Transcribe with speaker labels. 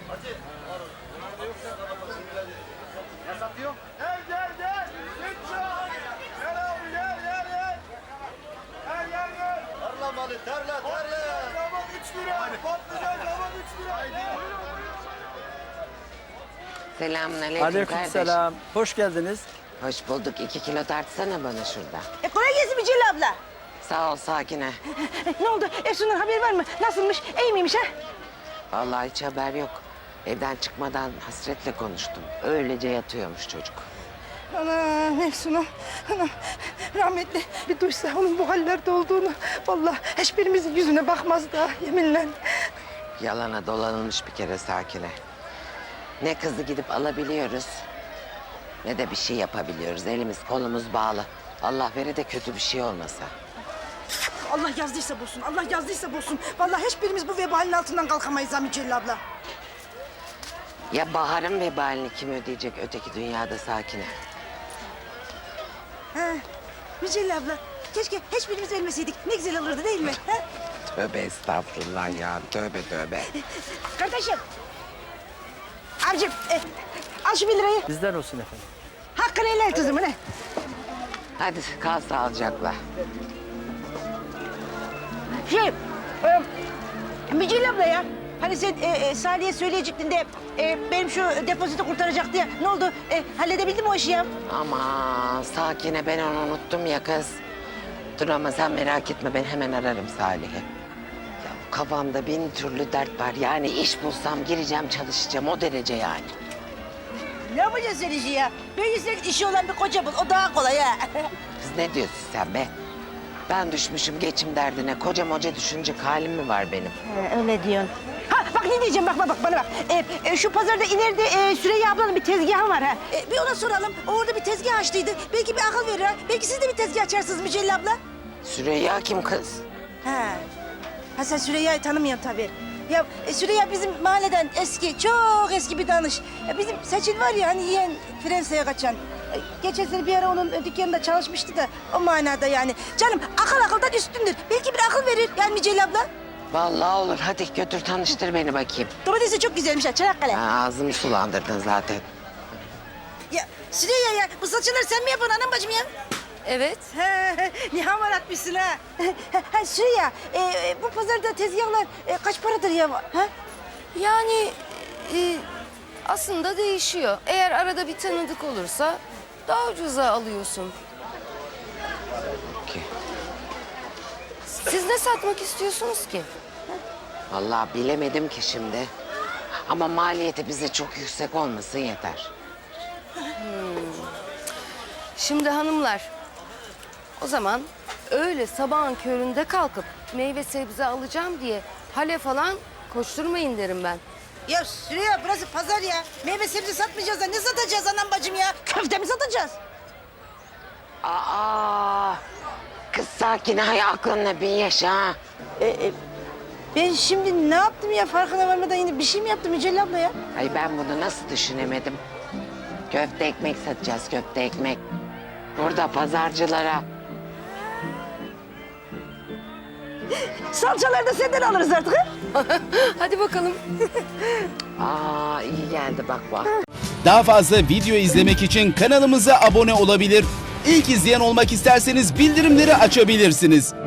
Speaker 1: Ne satıyor?
Speaker 2: Gel gel gel. Lütfen. Gel abi gel gel gel. Gel gel gel.
Speaker 1: Tarla malı tarla.
Speaker 2: Kabak 3 lira. Patlıcan kabak 3 lira.
Speaker 3: Selamünaleyküm kardeş.
Speaker 4: Aleykümselam. Hoş geldiniz.
Speaker 3: Hoş bulduk. 2 kilo tartsana bana şurada.
Speaker 5: Kolay gelsin Mücella abla.
Speaker 3: Sağ ol Sakine.
Speaker 5: Ne oldu? Efsun'dan haber var mı? Nasılmış? İyi miymiş ha?
Speaker 3: Vallahi hiç haber yok. Evden çıkmadan hasretle konuştum. Öylece yatıyormuş çocuk.
Speaker 5: Ana Efsun'a. Ana rahmetli bir duysa onun bu hallerde olduğunu. Vallahi hiçbirimizin yüzüne bakmaz da yeminle.
Speaker 3: Yalana dolanılmış bir kere Sakine. Ne kızı gidip alabiliyoruz, ne de bir şey yapabiliyoruz. Elimiz kolumuz bağlı. Allah vere de kötü bir şey olmasa.
Speaker 5: Allah yazdıysa bulsun. Allah yazdıysa bulsun. Vallahi hiçbirimiz bu vebalin altından kalkamayız ha Mücella abla.
Speaker 3: Ya Bahar'ın vebalini kim ödeyecek öteki dünyada Sakine?
Speaker 5: Ha, Mücella abla. Keşke hiçbirimiz ölmeseydik. Ne güzel olurdu değil mi? Ha?
Speaker 3: Tövbe estağfurullah ya. Tövbe tövbe.
Speaker 5: Kardeşim. Abicim al şu 1 lirayı.
Speaker 4: Bizden olsun efendim.
Speaker 5: Hakkını helal kızım ne?
Speaker 3: Hadi kal sağlıcakla.
Speaker 5: Mücella abla ya. Hani sen Salih'e söyleyecektin de benim şu depozito kurtaracaktı ya. Ne oldu? Halledebildin mi o işi ya?
Speaker 3: Aman Sakine ben onu unuttum ya kız. Dur ama sen merak etme ben hemen ararım Salih'i. Ya kafamda bin türlü dert var. Yani iş bulsam gireceğim çalışacağım o derece yani.
Speaker 5: Ne yapacaksın sen işi ya? Böyle senin işi olan bir koca bul. O daha kolay ha.
Speaker 3: Kız ne diyorsun sen be? Ben düşmüşüm geçim derdine. Koca moca düşünecek halim mi var benim?
Speaker 5: Öyle diyorsun. Ha bak ne diyeceğim bak bana bak. Şu pazarda ileride Süreyya ablanın bir tezgahı var ha. Bir ona soralım. O orada bir tezgah açtıydı. Belki bir akıl verir ha. Belki siz de bir tezgah açarsınız Mücella abla.
Speaker 3: Süreyya kim kız?
Speaker 5: Ha sen Süreyya'yı tanımıyorsun tabii. Ya Süreyya bizim mahalleden eski, çok eski bir danış. Ya bizim Seçil var ya hani yeğen Fransa'ya kaçan. Geçen sene bir ara onun dükkanında çalışmıştı da o manada yani. Canım akıl akıldan üstündür. Belki bir akıl verir yani Mücella abla.
Speaker 3: Vallahi olur hadi götür tanıştır beni bakayım.
Speaker 5: Domatesi çok güzelmiş ha Çanakkale.
Speaker 3: Ha, ağzımı sulandırdın zaten.
Speaker 5: Ya Süreyya ya bu saçları sen mi yapıyorsun anam bacım ya?
Speaker 6: Evet.
Speaker 5: Ne hamar atmışsın ha. Süreyya bu pazarda tezgahlar kaç paradır ya? Ha?
Speaker 6: Yani aslında değişiyor. Eğer arada bir tanıdık olursa daha ucuza alıyorsun.
Speaker 3: Ki.
Speaker 6: Siz ne satmak istiyorsunuz ki?
Speaker 3: Vallahi bilemedim ki şimdi. Ama maliyeti bize çok yüksek olmasın yeter.
Speaker 6: Şimdi hanımlar, o zaman öyle sabahın köründe kalkıp meyve sebze alacağım diye hale falan koşturmayın derim ben.
Speaker 5: Ya Süreyya burası pazar ya. Meyve sebze satmayacağız da ne satacağız anam bacım ya? Köfte mi satacağız?
Speaker 3: Aa, kız Sakine hay aklınla bin yaşa ha.
Speaker 5: Ben şimdi ne yaptım ya farkına varmadan yine bir şey mi yaptım Mücella abla ya?
Speaker 3: Ay ben bunu nasıl düşünemedim? Köfte ekmek satacağız köfte ekmek. Burada pazarcılara.
Speaker 5: Salçaları da senden alırız artık ha?
Speaker 6: Hadi bakalım.
Speaker 3: Aa iyi geldi bak bak.
Speaker 7: Daha fazla video izlemek için kanalımıza abone olabilir. İlk izleyen olmak isterseniz bildirimleri açabilirsiniz.